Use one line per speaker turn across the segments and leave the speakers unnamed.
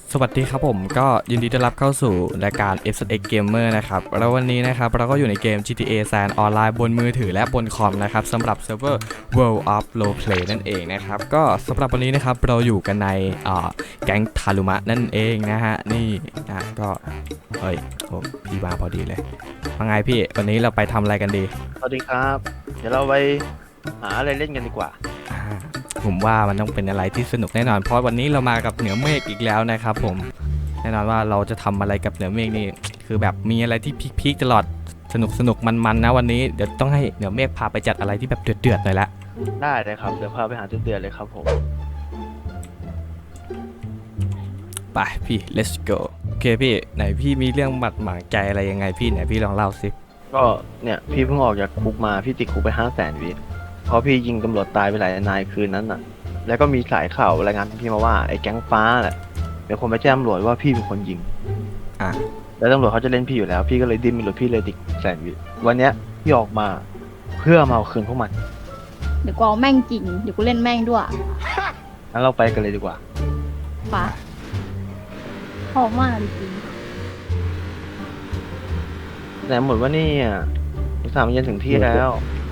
สวัสดีครับผมก็ยินดีต้อนรับเข้าสู่รายการ FZX Gamer นะครับแล้ววันนี้นะครับเราก็อยู่ในเกม GTA San ออนไลน์บนมือถือและบนคอมนะครับสำหรับเซิร์ฟเวอร์ World of Roleplay นั่นเองนะครับก็สำหรับวันนี้นะครับเราอยู่กันในแก๊งทารุมะนั่นเองนะฮะนี่นะก็เฮ้ยโอ้พี่มาพอดีเลยว่าไงพี่วันนี้เราไปทำอะไรกันดี
สวัสดีครับ เดี๋ยวเราไปหาอะไรเล่นกันดีกว่า
อ่าผมว่ามันต้องเป็นอะไรที่สนุกแน่นอนเพราะวันนี้เรามากับเหนือเมฆอีกแล้วนะครับผมแน่นอนว่าเราจะทำอะไรกับเหนือเมฆนี่คือแบบมีอะไรที่พีคๆตลอดสนุกมันนะวันนี้เดี๋ยวต้องให้เหนือเมฆพาไปจัดอะไรที่แบบเดือดๆหน่อยละ
ได้เลยครับ เดี๋ยวพาไปหาเดือนๆเลยครับผม
ไปพี่ let's go โอเคพี่ไหนพี่มีเรื่องหมัดหมางใจอะไรยังไงพี่ไหนพี่ลองเล่าสิ
ก็เนี่ยพี่เพิ่งออกจากคุกมา พี่ติดคุกไป500,000 วิเพราะพี่ยิงตำรวจตายไปหลายนายคืนนั้นน่ะ แล้วก็มีสายข่าวรายงานพี่มาว่าไอ้แก๊งฟ้าแหละเป็นคนไปแจ้งตำรวจว่าพี่เป็นคนยิง
อ่ะ
แล้วตำรวจเขาจะเล่นพี่อยู่แล้ว พี่ก็เลยดิ้นไม่หลุดพี่เลยติด100,000 วิวันเนี้ยพี่ออกมาเพื่อมาเอาคืนพวกมัน
เดี๋ยวกูเอาแม่งจริง เดี๋ยวกูเล่นแม่งด้วย
งั้นเราไปกันเลยดีกว่า
ปะหอมมากจริง
แต่หมดว่านี่อ่ะ3 เย็นถึงที่แล้ว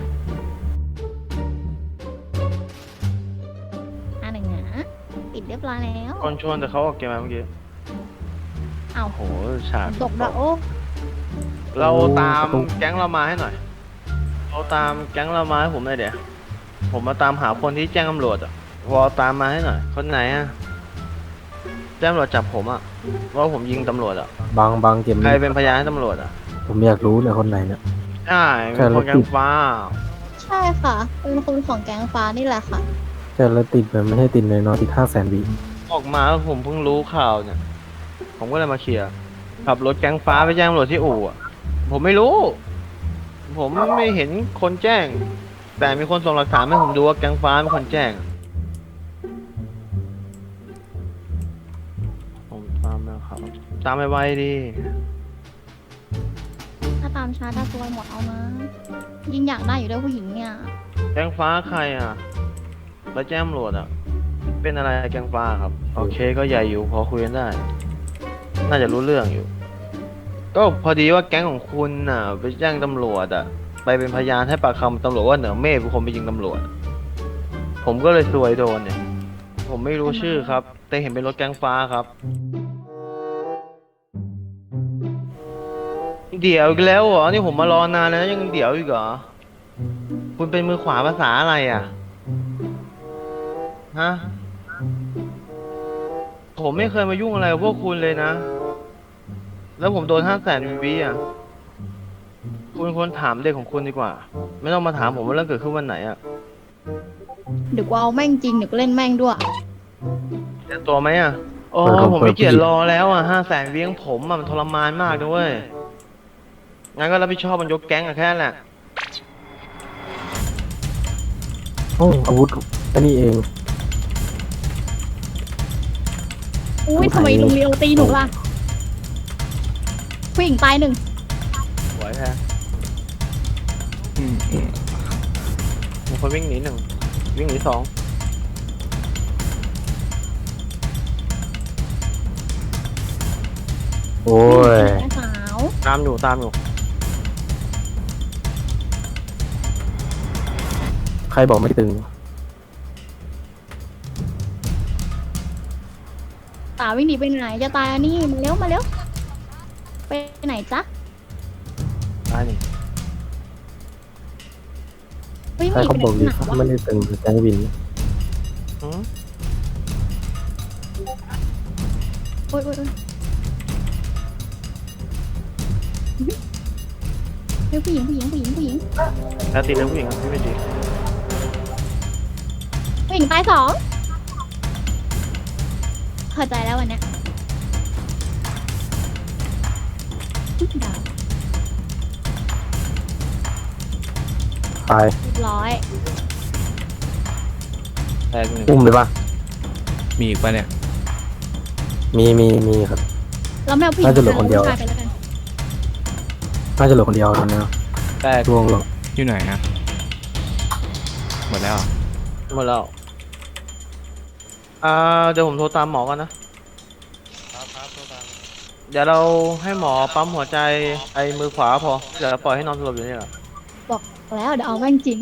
อันหนึ่งนะปิดเรียบร้อยแล้ว
คนชวนแต่เขาออกเกมมาเมื่อกี้
เอา
โหฉาก
ตกละโอ้
เราตามแก๊งเรามาให้หน่อย เราตามแก๊งเรามาให้ผมหน่อยเดี๋ยว ผมมาตามหาคนที่แจ้งตำรวจอ่ะวอตามมาให้หน่อย คนไหนอ่ะ แจ้งตำรวจจับผมอ่ะว่าผมยิงตำรวจอ่ะ
บางเกม
ใครเป็นพยานให้ตำรวจอ่ะ
ผมอยากรู้เลยคนไหนเนี่ย
ใช่เป็นคนแก๊งฟ้า
ใช่ค่ะ เป็นคนของแก๊งฟ้านี่แหละค่ะ
แต่ละติดแบบไม่ใช่ติดในนอนติด500,000 วิ
ออกมาแล้วผมเพิ่งรู้ข่าวเนี่ย ผมก็เลยมาเคลียร์ขับรถแก๊งฟ้าไปแจ้งตำรวจที่อู่อ่ะ ผมไม่รู้ ผมไม่เห็นคนแจ้ง แต่มีคนส่งหลักฐานให้ผมดูว่าแก๊งฟ้าเป็นคนแจ้ง ผมตามแล้วครับ ตามไปไวๆดี
ถ้าตามช้าจะซวยหมดเอานะ ยิ่งอยากได้อยู่ด้วยผู้หญิงเนี่ย
แก๊งฟ้าใครอ่ะไปแจ้งตำรวจอ่ะ เป็นอะไรแก๊งฟ้าครับ โอเคก็ใหญ่อยู่พอคุยกันได้ น่าจะรู้เรื่องอยู่ ก็พอดีว่าแก๊งของคุณน่ะ ไปแจ้งตำรวจอ่ะ ไปเป็นพยานให้ปากคำตำรวจว่าเหนือเมฆเป็นคนไปยิงตำรวจ ผมก็เลยซวยโดนเนี่ย ผมไม่รู้ชื่อครับ แต่เห็นเป็นรถแก๊งฟ้าครับ เดี๋ยวอีกแล้วเหรอ นี่ผมมารอนานแล้วยังเดี๋ยวอีกเหรอ คุณเป็นมือขวาภาษาอะไรอ่ะ ฮะ ผมไม่เคยมายุ่งอะไรกับพวกคุณเลยนะ แล้วผมโดน500,000 วิอ่ะ คุณควรถามเด็กของคุณดีกว่า ไม่ต้องมาถามผมว่าเรื่องเกิดขึ้นวันไหนอ่ะ
เดี๋ยวกูเอาแม่งจริง เดี๋ยวกูเล่นแม่งด้วย
เตรียมตัวไหมอ่ะโอ้ผมไม่เกียจรอแล้วอ่ะ500,000 วิของผมอ่ะมันทรมานมากนะเว้ย งั้นก็รับผิดชอบมันยกแก๊งอ่ะแค่นั้นแหละ
โอ้อาวุธอันนี้เอง
อุ้ยทำไมลุงเลียวตีหนูล่ะ ผู้หญิงตายหนึ่ง
สวยแท้มีคนวิ่งหนี1 วิ่งหนี2
โอ้ย
แม่สาว
ตามอยู่
ใครบอกไม่ตึง
สาววิ่งหนีไปไหน จะตายอันนี้มาเร็วมาเร็ว ไปไหนจ๊ะ
ตายนี่
วิ่งห
ใคร
นี
เขา
ไป
บอก
ไห
ดี
น
ไม่ได้ตึงแจ้งวิน
หืม
โอ๊ยโอ๊ยโอ๊ยเฮ้ยผู้หญิง
แล้วตีเลยผู้หญิงครับพี่ไม่ตี
ผู้หญิงตาย2เข้าใจแล้ววันเนี้ยดาว
ตาย
เรียบร้อย
แตก1
อุ้มเลยปะ
มีอีกปะเนี่ย
มีครับ
แล้วแมวผู้หญิง
น่าจะเหลือคนเดียว
ผู้ชาไปแล้วกัน
น่าจะเหลือคนเดียวตอนนี้
แตก
ดวงหรอก
อยู่ไหนนะหมดแล้วเหรอ
หมดแล้ว เดี๋ยวผมโทรตามหมอก่อนนะเดี๋ยวเราให้หมอปั๊มหัวใจไอ้มือขวาพอเดี๋ยวปล่อยให้นอนสลบอยู่นี่แหละ
บอกแล้วเดี๋ยวเอาแม่งจริง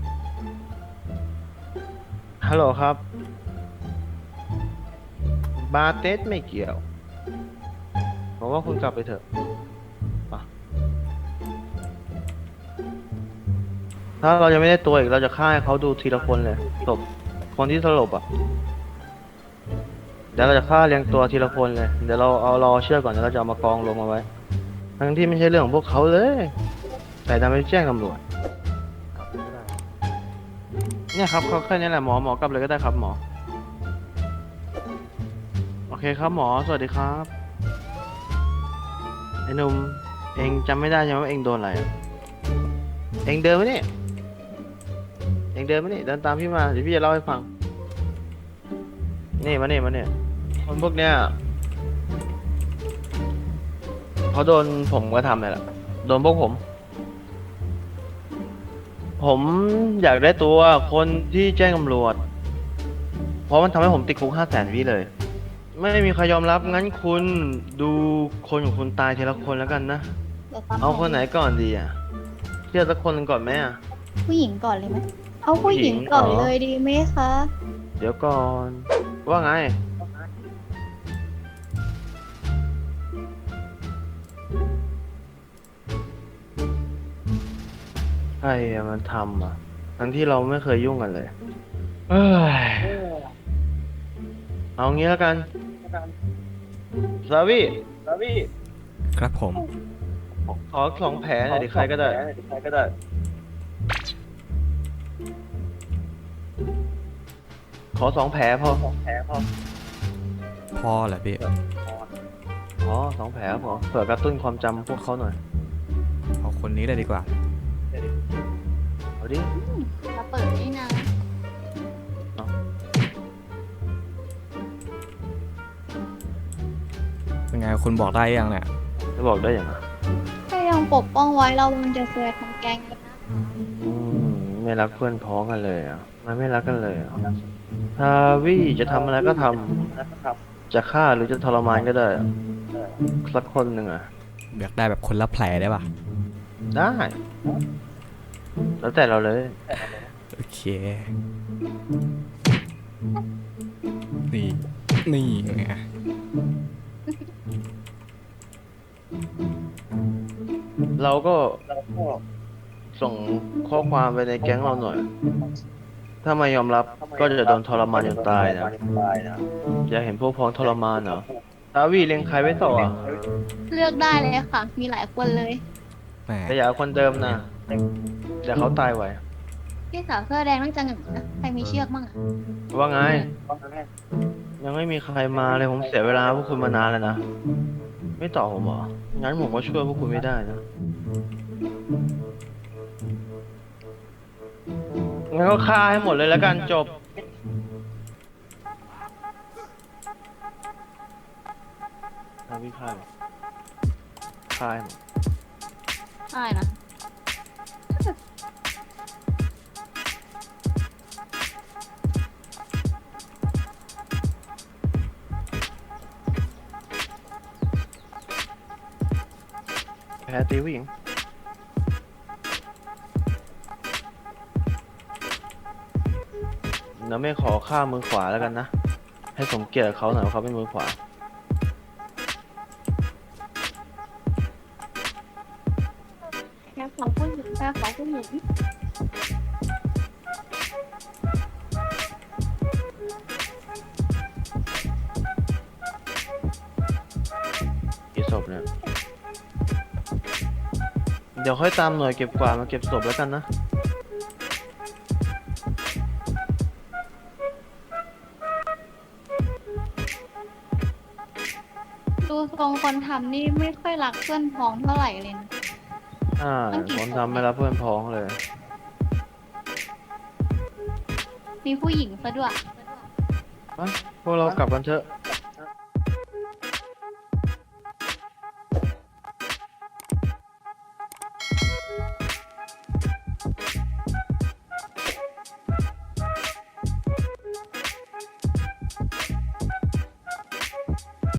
ฮัลโหลครับ บาเตสไม่เกี่ยวผมว่าคุณกลับไปเถอะไปถ้าเรายังไม่ได้ตัวอีกเราจะฆ่าให้เขาดูทีละคนเลยศพคนที่สลบอ่ะ เดี๋ยวเราจะฆ่าเรียงตัวทีละคนเลย เดี๋ยวเราเอารอเชือกก่อนเดี๋ยวเราจะเอามากองลงมาไว้ ทั้งที่ไม่ใช่เรื่องของพวกเขาเลย แต่ดันไปแจ้งตำรวจ เนี่ยครับเขาแค่นี้แหละหมอกลับเลยก็ได้ครับหมอ โอเคครับหมอสวัสดีครับไอ้หนุ่มเองจำไม่ได้ใช่ไหมว่าเองโดนอะไรอะเองเดินมานี่เองเดินมานี่เดินตามพี่มาเดี๋ยวพี่จะเล่าให้ฟังนี่มานี่คนพวกเนี้ยเขาโดนผมก็ทำเลยแหละโดนพวกผมอยากได้ตัวคนที่แจ้งตำรวจ เพราะมันทำให้ผมติดคุก500,000 วิเลย ไม่มีใครยอมรับงั้นคุณดูคนของคุณตายทีละคนแล้วกันนะ
เดี๋ยวตาม
เอาคนไหนก่อนดีอ่ะเลือกสักคนหนึ่งก่อนไหมอ่ะ
ผู้หญิงก่อนเลยไหมเอาผู้หญิงก่อน
ผู้หญิงเหรอ
เลยดีไหมคะ
เดี๋ยวก่อน ว่าไง ใครอะมันทำอ่ะ ทั้งที่เราไม่เคยยุ่งกันเลย เอ้ย เอางี้แล้วกันซาวี่
ครับผม
ขอ2 แผลหน่อยดิใครก็ได้ ขอ2 แผลพอ
พอแหละพี่
อ๋อ2 แผลพอเผื่อกระตุ้นความจำพวกเขาหน่อย
เอาคนนี้เลยดีกว่า
เอาดิ
มาเปิดนี่นะ
เป็นไงคุณบอกได้ยังเนี่ย
จะบอกได้ยังไง
ถ้ายังปกป้องไว้เรามันจะเสียทั้งแก๊งเลยนะ
ไม่รักเพื่อนพ้องกันเลยอ่ะมันไม่รักกันเลยอ่ะทาวี่จะทำอะไรก็ทำจะฆ่าหรือจะทรมานก็ได้อะสักคนหนึ่งอ่ะ
อยากได้แบบคนละแผลได้ปะ
ได้ แล้วแต่เราเลย
โอเค นี่ไง
เราก็ส่งข้อความไปในแก๊งเราหน่อย ถ้าไม่ยอมรับก็จะโดนทรมานจนตายนะอยากเห็นพวกพ้องทรมานเหรอทาวี่เลี้ยงใครไว้ต่ออ่ะ
เลือกได้เลยค่ะ มีหลายคนเลย
แหม
แต่อย่าเอาคนเดิมนะเดี๋ยวเขาตายไว
พี่สาวเสื้อแดงนั่งจังหนึ่งนะใครมีเชือกมั่งอะ
ว่าไง ยังไม่มีใครมาเลยผมเสียเวลาพวกคุณมานานแล้วนะ ไม่ตอบผมเหรอ งั้นผมก็ช่วยพวกคุณไม่ได้นะ งั้นก็ฆ่าให้หมดเลยแล้วกันจบ ฆ่าพี่ฆ่าเลยฆ่าให้หมด
ใช่นะ
แพ้ตีผู้หญิง เดี๋ยวไม่ขอฆ่ามือขวาแล้วกันนะ ให้สมเกียรติกับเขาหน่อยว่าเขาเป็นมือขวา
แค่ของผู้หญิงแค่ของผู้หญิง
กี่ศพเนี่ย เดี๋ยวค่อยตามหน่วยเก็บกวาดมาเก็บศพแล้วกันนะ
ดูทรงคนทำนี่ไม่ค่อยรักเพื่อนพ้องเท่าไหร่เลยนะ มันกี่
คน
ศพ
ทำไม่รับเพื่อนพ้องเลย
มีผู้หญิงซะด้วย
ไปพวกเรากลับกันเถอะ